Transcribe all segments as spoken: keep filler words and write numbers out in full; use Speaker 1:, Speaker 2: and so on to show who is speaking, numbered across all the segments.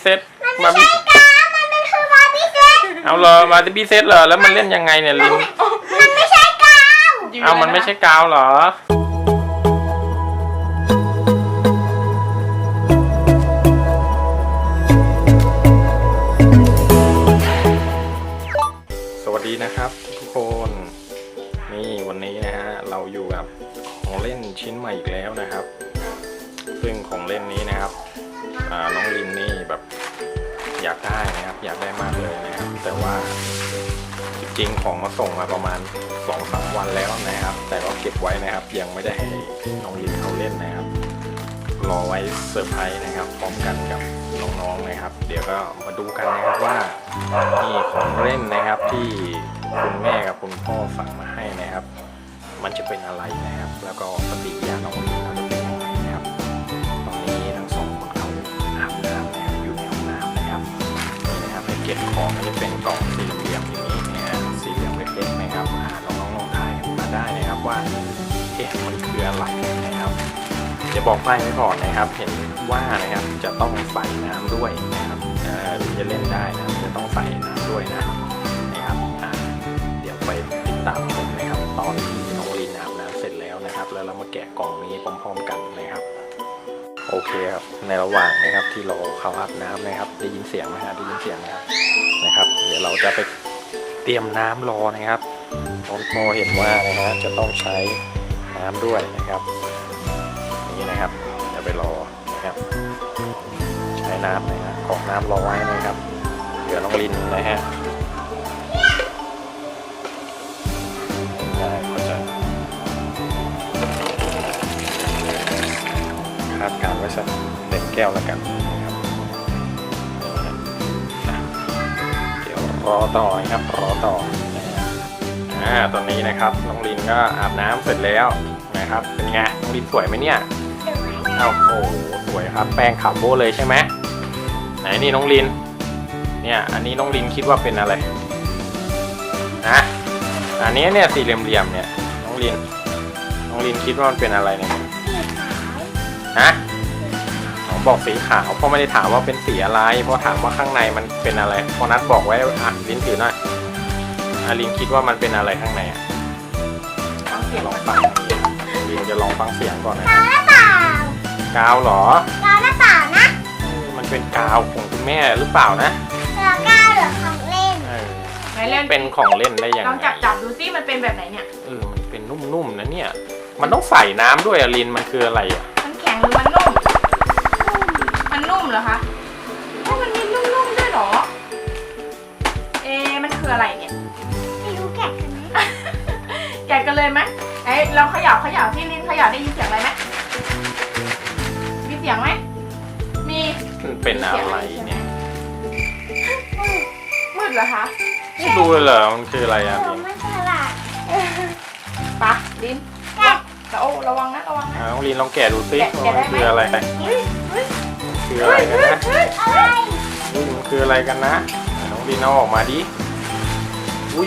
Speaker 1: เซ็ต
Speaker 2: มันไม่ใช่กาวมันเป็นคือบาร์บี้เซ็ต
Speaker 1: เอาเหรอบาร์บี้เซ็ตเหรอแล้วมันเล่นยังไงเนี่ยลิน
Speaker 2: มันไม่ใช่กาว
Speaker 1: เอามันไม่ใช่กาวเหรอสวัสดีนะครับทุกคนนี่วันนี้นะฮะเราอยู่กับของเล่นชิ้นใหม่อีกแล้วนะครับซึ่งของเล่นนี้นะครับน้องลินนี่แบบอยากได้นะครับอยากได้มากเลยนะครับแต่ว่าจริงๆของมาส่งมาประมาณ สองสาม วันแล้วนะครับแต่ก็เก็บไว้นะครับยังไม่ได้ให้น้องลินเขาเล่นนะครับรอไว้เซอร์ไพรส์นะครับพร้อมกันกับน้องๆนะครับเดี๋ยวก็มาดูกันนะครับว่านี่ของเล่นนะครับที่คุณแม่กับคุณพ่อสั่งมาให้นะครับมันจะเป็นอะไรนะครับแล้วก็ปฏิกิริยาน้องลินเขาจะเป็นยังไงนะครับตอนนี้ทั้งสองคนเขาอาบน้ำนะครับอยู่ในห้องน้ำนะครับนี่นะครับให้เก็บของมันจะเป็นกล่องสี่เหลี่ยมอย่างนี้นะฮะสี่เหลี่ยมเล็กๆนะครับน้องๆลองทายมาได้นะครับว่าเอ๊ะมันคืออะไรนะครับจะบอกไปไว้ก่อนนะครับเห็นว่านะครับจะต้องใส่น้ำด้วยนะครับถึงจะเล่นได้นะจะต้องใส่น้ำด้วยนะนะครับเดี๋ยวไปติดตามชมนะครับตอนที่น้องลินอาบน้ำเสร็จแล้วนะครับแล้วเรามาแกะกล่องนี้พร้อมๆกันนะครับโอเคครับในระหว่างนะครับที่เราเข้าอาบน้ำนะครับได้ยินเสียงไหมฮะได้ยินเสียงนะครับนะครับเดี๋ยวเราจะไปเตรียมน้ำรอนะครับน้องโมเห็นว่านะฮะจะต้องใช้น้ำด้วยนะครับนี่นะครับเดี๋ยวไปรอนะครับใช้น้ำนะฮะของน้ำรอไว้นะครับเดี๋ยวน้องลินนะฮะได้ก็จะคาดการไว้สักเต็มแก้วแล้วกันนะครับเดี๋ยวรอต่อนะครับรอต่ออ่าตอนนี้นะครับน้องลินก็อาบน้ำเสร็จแล้วนะครับเป็นไงน้องลินสวยไหมเนี่ยเอาโอ้โหสวยครับแป้งขาวโบ้เลยใช่ไหมไหนนี่น้องลินเนี่ยอันนี้น้องลินคิดว่าเป็นอะไรนะอันนี้เนี่ยสี่เหลี่ยมๆเนี่ยน้องลินน้องลินคิดว่ามันเป็นอะไรเนี่ยฮะผมบอกสีขาวเพราะไม่ได้ถามว่าเป็นสีอะไรเพราะถามว่าข้างในมันเป็นอะไรพอนัดบอกไว้อ่ะลินถือหน่อยอ่ะลินคิดว่ามันเป็นอะไรข้างในอ่ะลองฟังลินจะลองฟังเสียงก่อนนะกาวหรือเปล่ากาวเหรอก
Speaker 2: าวหรือเปล่านะ
Speaker 1: มันเป็นกาวของคุณแม่หรือเปล่านะ
Speaker 2: เหลือกาวหรือของเล่น
Speaker 1: ไหนเล่นเป็นของเล่นได้ยังไง
Speaker 3: ลองจับจับดูซิมันเป็นแบบไหนเนี่ย
Speaker 1: เออมันเป็นนุ่มๆนะเนี่ยมันต้องใส่น้ำด้วยอะลินมันคืออะไรอ่ะ
Speaker 3: มันแข็งหรือมันนุ่มมันนุ่มเหรอคะโอ้มันมีนุ่มๆด้วยเหรอเอ๊มันคืออะไรเนี่ย
Speaker 2: ไม่รู้แกะกันไหม
Speaker 3: แกะกันเลยไหมไอ้เราเขย่าเขย่าที่ลินเขย่าได้ยินเสียงอะไรไหมมีเสียงไหมมี
Speaker 1: มันเป็นอะไรเนี่ย
Speaker 3: มืดเหรอคะ
Speaker 1: ไม่รู้เลยเหรอมันคืออะไรอ่ะลิน
Speaker 2: ไม่ใช่ละ
Speaker 3: ปะลินแกะแต่โอ้ระวังนะระวังนะ
Speaker 1: น้องลินลองแกะดูซิมันคืออะไรคืออะไรกันนะมันคืออะไรกันนะน้องลินเอาออกมาดิอุ้ย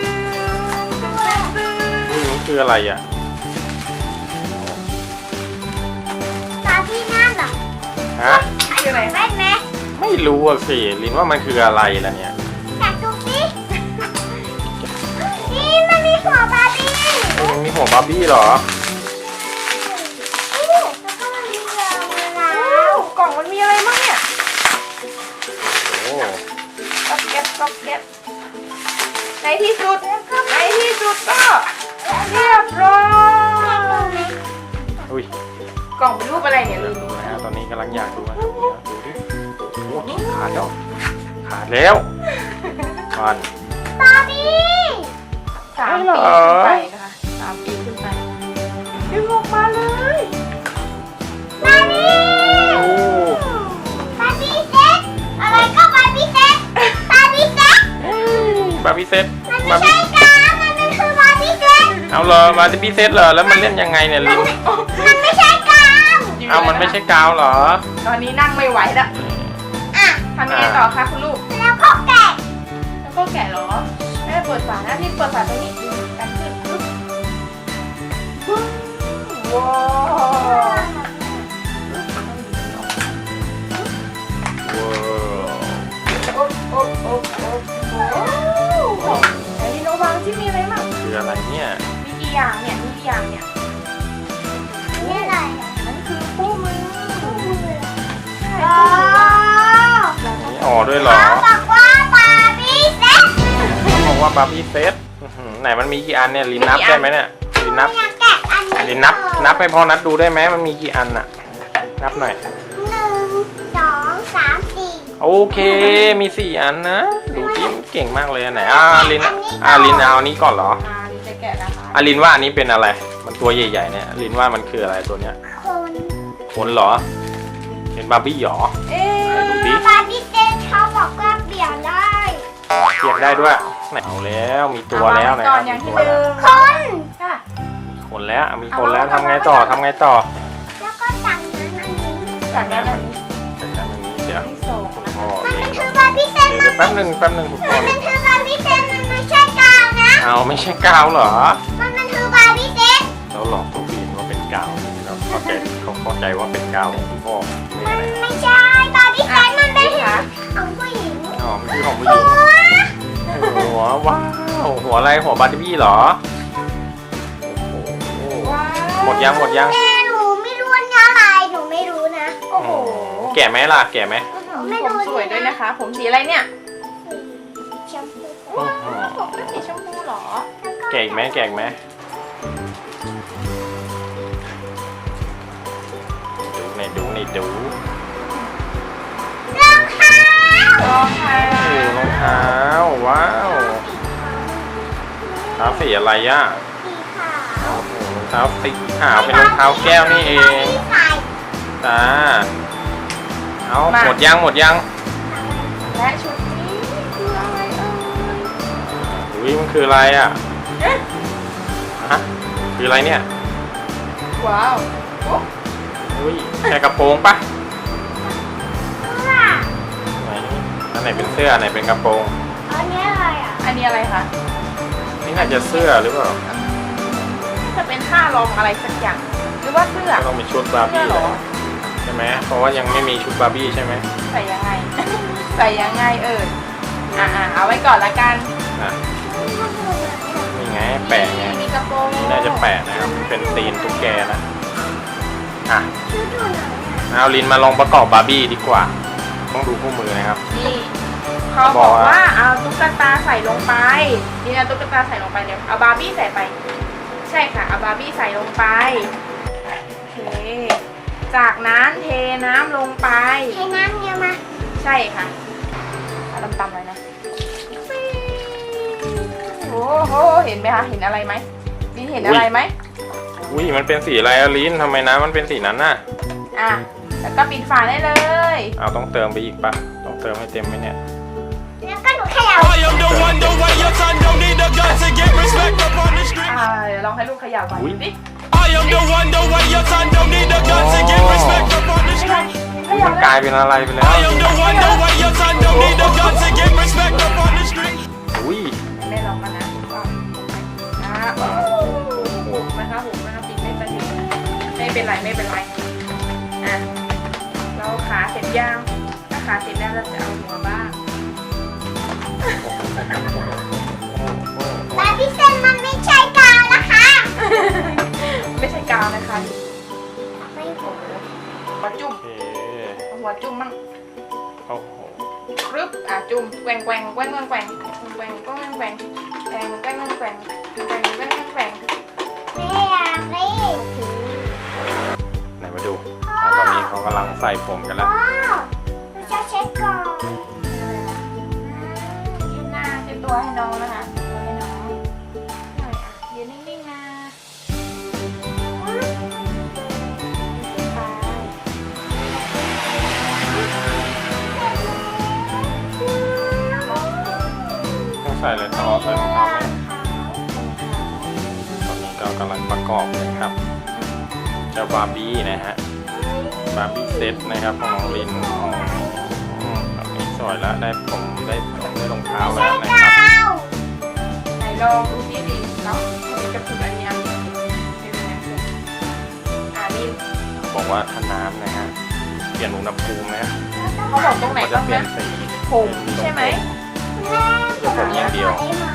Speaker 1: มันคืออะไรอ่ะ
Speaker 2: ตาพี่นั่นเหรอ
Speaker 1: ฮะ
Speaker 3: คืออะไร
Speaker 2: แม่ไหม
Speaker 1: ไม่รู้อ่ะสิลินว่ามันคืออะไรล่ะเนี่ย
Speaker 2: แกะดูสินี่มันมีหัวบาร์บี้
Speaker 1: มันมีหัวบาร์บี้เหรอ
Speaker 2: แล้วก็มันมีเรือมาแล้ว
Speaker 3: กล่องมันมีอะไรบ้างเนี่ย
Speaker 1: โอ้
Speaker 3: ก๊อบแก๊บก๊อบแก๊บในที่สุดในที่สุดก็เรียบร้อย
Speaker 1: อุ้ย
Speaker 3: กล่องเป็นรูปอะไรเนี่ยลิน
Speaker 1: ดูนะฮะตอนนี้กำลังอยากดูนะดูดิโอ้ขาดแล้วขาดแล้วมัน
Speaker 2: บาร์บี้
Speaker 3: สามปีขึ้นไปนะคะสามปีขึ้นไปดึงออกมาเลย
Speaker 2: บาร์บี้บาร์บี้เซ็ตอะไรก็บาร์บี้เซ็ตบาร์บี้เซ็ต
Speaker 1: บาร์บี้เซ็ต
Speaker 2: มันไม่ใช่กาวมันเป็นคือบาร์บี้เซ็ต
Speaker 1: เอาเหรอบาร์บี้เซ็ตเหรอแล้วมันเล่นยังไงเนี่ยลิน
Speaker 2: มันไม่ใช่กาว
Speaker 1: เอามันไม่ใช่กาวเหรอ
Speaker 3: ตอนนี้นั่งไม่ไหวแล้ว
Speaker 2: อ่ะ
Speaker 3: ทำยังไงต่อคะคุณลูก
Speaker 2: แล้วก็แกะ
Speaker 3: แล้วก็แกะเหรอแม่เปิดฝานะที่เปิดฝาตรงนี้กันขึ้นว้าว
Speaker 1: ว้าวด้วยเหรอ
Speaker 2: เขาบอกว่าบาร์บี้เซ็ต
Speaker 1: บอกว่าบาร์บี้เซตอื้อหือไหนมันมีกี่อันเนี่ยลินนับได้ไหมเนี่ยลินนับ
Speaker 2: อยากแกะอันนี้
Speaker 1: ลินนับนับให้พ่อนัดดูได้ไหมมันมีกี่อันน่ะนับหน่อย
Speaker 2: หนึ่งสองสามสี่
Speaker 1: โอเคมีสี่อันนะดูดิเก่งมากเลยอันไหนอ่าลินอ่าลินเอาอันนี้ก่อนเหรอ
Speaker 3: อ่าลินจะแกะนะคะ
Speaker 1: อ่าลินว่าอันนี้เป็นอะไร มันตัวใหญ่ๆเนี่ยลินว่ามันคืออะไรตัวเนี้ย
Speaker 2: คน
Speaker 1: คนเหรอเป็นบาร์บี้หรอ
Speaker 3: เอ๊ะ
Speaker 1: ดูดิ
Speaker 2: บาร์บี้เซ็ตเขาบอกว่าเปลี่ยนได้
Speaker 1: เทียบได้ด้วยไหนเอาแล้วมีตัวแล้วนะ
Speaker 3: ก่
Speaker 1: ค
Speaker 3: อ
Speaker 1: รั
Speaker 3: น
Speaker 1: บ
Speaker 3: อย่าง
Speaker 1: มี
Speaker 3: ที่
Speaker 1: ตัว
Speaker 3: หนึ่
Speaker 1: แล้ว
Speaker 3: ง
Speaker 2: คน
Speaker 3: ค่ะ
Speaker 1: คนแล้วมีคนแล้วทำไงต่อทำไงต่อ
Speaker 2: แล้วก็สั่งนั้นอันนี้
Speaker 3: จากนั้นอันนี้
Speaker 1: จัดการอันนี้เดี๋ยว
Speaker 3: ที่สองนะ
Speaker 1: อ๋อ
Speaker 2: มัน
Speaker 1: นี่
Speaker 2: เป็นคือบาร์บี้เซ็ต
Speaker 1: เดี๋ยวแป๊บหนึ่งแป๊บหนึ่งทุกค
Speaker 2: มัน
Speaker 1: น
Speaker 2: เป็นคือบาร์บี้เซ็ตมันไม่ใช่กาวนะ
Speaker 1: เอาไม่ใช่กาวเหรอ
Speaker 2: มันเป็นคือบาร์บี้เซ็ต
Speaker 1: เราหลอกตัวฟีนว่าเป็นกาวเราเข้าใจเขาเข้าใจว่าเป็นกาวของคุณพ่อไม่
Speaker 2: มั
Speaker 1: อะ
Speaker 2: น
Speaker 1: ไร
Speaker 2: ไม่ใช่บาร์บี้เซ็ตมันเป็น
Speaker 3: ค่ะ
Speaker 2: ของผู้หญิง
Speaker 1: อ๋อมันคือของผู้หญิงหัวว้าวหัวอะไรหัวบาร์บี้เหรอโอ้โห
Speaker 3: ว้าว
Speaker 1: หมดยังหมดยัง
Speaker 2: แม่หนูไม่รู้ว่าอะไรหนูไม่รู้นะ
Speaker 3: โอ้โห
Speaker 1: แก่ไหมล่ะแก่ไหม
Speaker 2: ไม่รู้
Speaker 3: ผมสวยด้วยนะคะ ผมสีอะไรเนี่ย
Speaker 2: ชมพู
Speaker 1: อื้อหือ
Speaker 3: ผมเป็นสีชมพูเหรอ
Speaker 1: แก่อีกไหมแก่อีกไหมดูในดูในดู
Speaker 2: รองเท้าร
Speaker 3: องเท้า
Speaker 1: โอ้รองเท้าว้าวเท้าสีอะไรอ่ะ
Speaker 2: สีขาว
Speaker 1: โอ้โหรองเท้าสีขาวเป็นรองเท้าแก้วนี่เอง
Speaker 2: ที่ใส่
Speaker 1: จ้าเอาหมดยังหมดยัง
Speaker 3: และชุดนี้คืออะไรเอ่ย
Speaker 1: อุ้ยมันคืออะไรอ่ะ
Speaker 3: เอ๊ะ
Speaker 1: ฮะคืออะไรเนี่ย
Speaker 3: ว้าวโอ้
Speaker 1: อุ้ยแค่กระโปรงปะ
Speaker 2: เสื้อ
Speaker 1: ไหนอันไหนเป็นเสื้ออันไหนเป็นกระโปรง
Speaker 2: อันนี้อะไรอ่ะ
Speaker 3: อันนี้อะไรคะ
Speaker 1: นี่น่าจะเสื้อหรือเปล่า
Speaker 3: จะเป็นผ้ารองอะไรสักอย่าง หรือว่าเสื้อ
Speaker 1: ก็ต้องเป็นชุดบาร์
Speaker 3: เสื้
Speaker 1: บี้
Speaker 3: อเหรอ
Speaker 1: ใช่ไหมเพราะว่ายังไม่มีชุดบาร์บี้ใช่ไหม
Speaker 3: ใส่ยังไง ใส่ยังไงเอ่ยอ่าเอาไว้ก่อนละกัน
Speaker 1: อ่ะนี่ไงแปะไง
Speaker 3: มีกระโปรง
Speaker 1: นี่น่าจะแปะนะครับเป็นตีนตุ๊กแกนะอ่ะ
Speaker 2: ชุดอยู่ไหนอ่ะ
Speaker 1: เอาลินมาลองประกอบบาร์บี้ดีกว่า ต้องดูคู่มือนะครับ
Speaker 3: นี่เขาบอกว่าเอาตุ๊กตาใส่ลงไปนี่นะตุ๊กตาใส่ลงไปเดี๋ยวเอาบาร์บี้ใส่ไป ใช่ค่ะเอาบาร์บี้ใส่ลงไปโอเคจากนั้นเทน้ำลงไป
Speaker 2: ใช้น้ำเยอะมา
Speaker 3: ใช่ค่ะเอาตำๆเลยนะโอ้โหเห็นไหมคะเห็นอะไรไหมลินเห็นอะไรไหม
Speaker 1: อุ้ยมันเป็นสีอะไรอะลินทำไมน้ำมันเป็นสีนั้นน่ะ
Speaker 3: อ่ะแล้วก็ปิดฝาได้เลย
Speaker 1: เอาต้องเติมไปอีกปะต้องเติมให้เต็มไหมเนี่ย
Speaker 2: แล้วก็หนูเขย่า
Speaker 4: I am the one, the way your son don't need a gun to get respect up on the street.
Speaker 3: อ่าเดี๋ยวลองให้ลูกเขย่าก่อน
Speaker 1: อุ๊ย
Speaker 3: ดิ
Speaker 4: I am the one, the way your son don't need a gun to get respect up on the
Speaker 3: ไม่ได้
Speaker 4: street.
Speaker 3: เข
Speaker 1: อุ๊ย
Speaker 3: ย่า
Speaker 1: มัน
Speaker 3: แล้
Speaker 1: กลายว เป็นอะไรไปแล้ว
Speaker 4: I am the one, the way your son don't need a gun to get respect up on the street.
Speaker 1: อุ้ย
Speaker 3: แม่ลองมานะว่าอ่าโอ้โหนะคะผมนะคะปิดไม่สนิทไม่เป็นไรไม่เป็นไรอ่ะเราขาเสร็จยังถ้าขาเสร็จแล้วเราจะเอาหัวบ้าง
Speaker 2: บาร์บี้เซ็ตมันไม่ใช่กาวนะคะ
Speaker 3: ไม่ใช่กาวนะคะ
Speaker 2: ไม่ผม
Speaker 3: หัวจุ่ม
Speaker 1: โอเค
Speaker 3: เอาหัวจุ่มมั่ง
Speaker 1: โอ้โห
Speaker 3: กรึบอ่ะจุ่มแกว่งแกว่งแกว่งแกว่งแกว่งแกว่งแกว่งแกว่งแกว่งแกว่งแกว่งแกว่งแกว่งแกว่ง
Speaker 2: ไม่อยากเล่น
Speaker 1: ไหนมาดูอ่ะตอนนี้เขากำลังใส่ผมกันแล้ว
Speaker 2: ว้าวเราจะเช็คก่อน
Speaker 3: เช็ดหน้าเช็ดตัวให้น้องนะคะตัวให้น้องหน่อยอ่ะยืนนิ่งๆนะไป
Speaker 1: ต้องใส่อะไรต่อใส่รองเท้าไหมตอนนี้ก็กำลังประกอบเลยครับ เจ้าบาร์บี้นะฮะ บาร์บี้เซตนะครับของน้องลินอ๋ออืมแบบนี้สวยแล้วได้ผมได้ได้รองเท้า
Speaker 2: ใช่
Speaker 1: แล้วนะค
Speaker 2: กา
Speaker 1: รับ
Speaker 2: ว
Speaker 3: ไหนลองดูที่ดีเนาะมีกระปุกอันนี้อ่ะเป็นยังไงอ่ะนี่
Speaker 1: บอกว่าถ้าน้ำนะฮะเปลี่ยนอุณหภูมินะ
Speaker 3: เขาบอกตรงไหน
Speaker 1: ก็จะ
Speaker 3: บ้าง
Speaker 1: เปลี่ย
Speaker 3: นะ
Speaker 1: นสี
Speaker 3: ผมใช่ไหม
Speaker 2: แม่ผมอย่างเดียว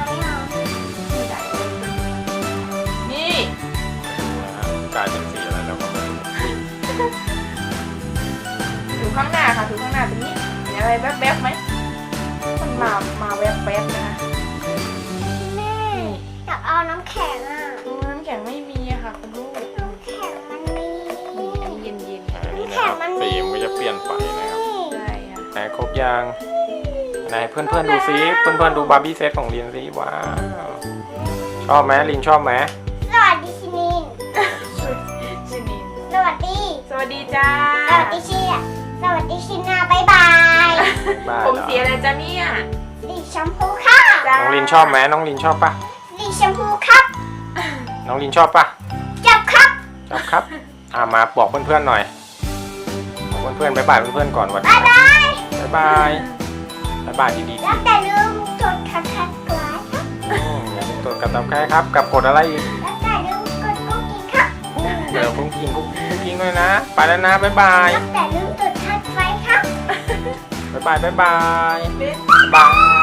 Speaker 3: นี่
Speaker 1: นะฮะกลายเป็นสีอะไรแล้วก็ไม่รู้อุ้ย
Speaker 3: ถือข้างหน้าค่ะถือข้างหน้าตรงนี้เห็นอะไรแวบๆไหม
Speaker 2: เอาน้ำแข็งอ่ะ
Speaker 3: โอ้น้ำแข็งไม่มีอะค่ะคุณลูก
Speaker 2: น้ำแข็งมันมี
Speaker 3: นี่อันนี้เย็นๆ
Speaker 1: อ่านี่นะครับสีมันก็จะเปลี่ยนไปนะครับ
Speaker 3: ใช่ค่ะ
Speaker 1: ไหนครบยังไหนเพื่อนเพื่อนๆดูซิเพื่อนเพื่อนๆดูบาร์บี้เซตของลินซิว้าวชอบไหมลินชอบไหม
Speaker 2: สวัสดีชินิน
Speaker 3: ชินิน
Speaker 2: สวัสดี
Speaker 3: สวัสดีจ้า
Speaker 2: สวัสดีชินสวัสดีชินาบายบาย
Speaker 1: บ้า
Speaker 3: ผม
Speaker 1: เหรอ
Speaker 3: สีอะไรจ้าเนี่ย
Speaker 2: สีชมพูค่ะ
Speaker 3: จ้า
Speaker 1: น้องลินชอบไหมน้องลินชอบปะ
Speaker 2: สีชมพูครับ
Speaker 1: น้องลินชอบปะ
Speaker 2: จับครับ
Speaker 1: ชอบครับอ่ามาบอกเพื่อนเพื่อนๆหน่อยบอกเพื่อนๆบ๊ายบายเพื่อนๆก่อนวัน
Speaker 2: บายบาย
Speaker 1: บ๊ายบายบ๊ายบายดีๆ
Speaker 2: แล้วแต่ลืมกดคัดคัดกลาครับ
Speaker 1: อืมอย่าลืมกดกับตับแค่ครับ กับกดอะไรอีก
Speaker 2: แล้วแต่ลืมกดกุ๊กกิ๊กครับ
Speaker 1: เดี๋ยวพุ่งกินพุ่งกินด้วยนะ ไปแล้วนะ บ๊ายบาย
Speaker 2: แล้วแต่ลืมกดคัดไฟครับ
Speaker 1: บ๊ายบาย บ๊ายบาย
Speaker 3: เล่น
Speaker 1: บ๊ายบาย